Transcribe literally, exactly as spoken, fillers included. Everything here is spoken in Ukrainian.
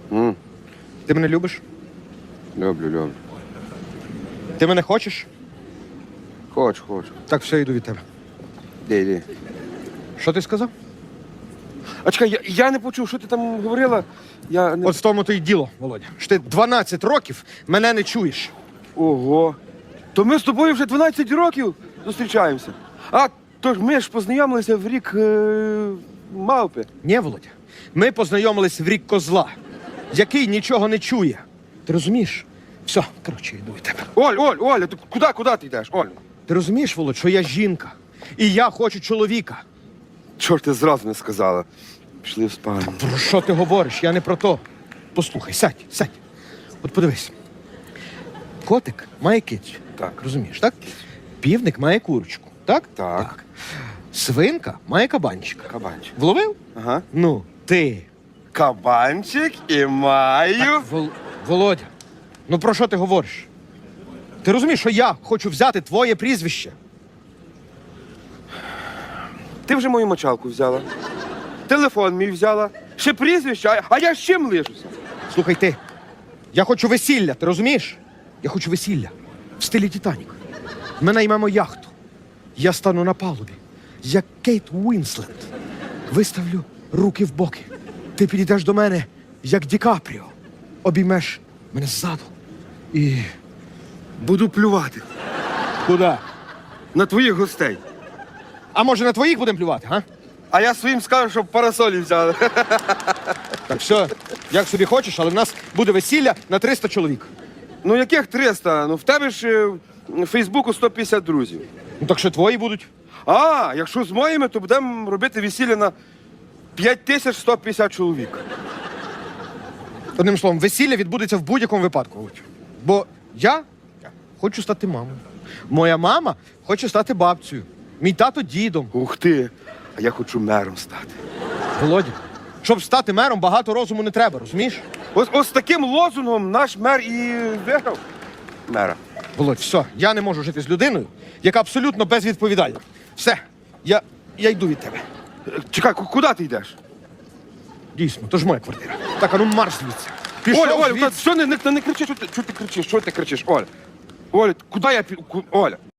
М, Ти мене любиш? Люблю, люблю. Ти мене хочеш? Хочу, хочу. Так, все, йду від тебе. Де, де? Що ти сказав? А чекай, я, я не почув, що ти там говорила. Я не... От в тому то й діло, Володя. Що ти дванадцять років мене не чуєш. Ого. То ми з тобою вже дванадцять років зустрічаємося. А, то ж ми ж познайомилися в рік е... мавпи. Ні, Володя. Ми познайомились в рік козла, який нічого не чує. Ти розумієш? Все, коротше, йду від тебе. Оль, Оль, Оля, ти куди, куди ти йдеш, Оль? Ти розумієш, Володь, що я жінка. І я хочу чоловіка. Чорт, ти зразу не сказала. Пішли в спальню. Про що ти говориш? Я не про то. Послухай, сядь, сядь. От подивись. Котик має кицю. Так. Розумієш, так? Півник має курочку. Так? Так. Свинка має кабанчика. Кабанчик. Вловив? Ага. Ну, ти. Кабанчик і маю. Вол... Володя, ну про що ти говориш? Ти розумієш, що я хочу взяти твоє прізвище? Ти вже мою мочалку взяла. Телефон мій взяла. Ще прізвище, а- а я з чим лишуся? Слухай ти, я хочу весілля, ти розумієш? Я хочу весілля в стилі Титанік. Ми наймемо яхту. Я стану на палубі, як Кейт Уінслет. Виставлю руки в боки. Ти підійдеш до мене, як Ді Капріо. Обіймеш мене ззаду. І Буду плювати куди? на твоїх гостей. А може на твоїх будемо плювати, га? А я своїм скажу, щоб парасолі взяли. Так все, як собі хочеш, але в нас буде весілля на триста чоловік. Ну яких триста? Ну в тебе ж е, в Фейсбуку сто п'ятдесят друзів. Ну так що твої будуть? А, якщо з моїми, то будемо робити весілля на п'ять тисяч сто п'ятдесят чоловік. Одним словом, весілля відбудеться в будь-якому випадку. Володь. Бо я хочу стати мамою. Моя мама хоче стати бабцею. Мій тато дідом. Ух ти, а я хочу мером стати. Володя, щоб стати мером, багато розуму не треба, розумієш? Ось, ось з таким лозунгом наш мер і виграв мера. Володь, все, я не можу жити з людиною, яка абсолютно безвідповідальна. Все, я, я йду від тебе. Е, Чекай, ку- куди ти йдеш? Дійсно, то ж моя квартира. Так, а ну марш звідси. Пішов Оля, Оля, звідси. та що не, не, не кричи, що ти, що ти кричиш, що ти кричиш, Оля? Оля, куди я пі... ку- Оля?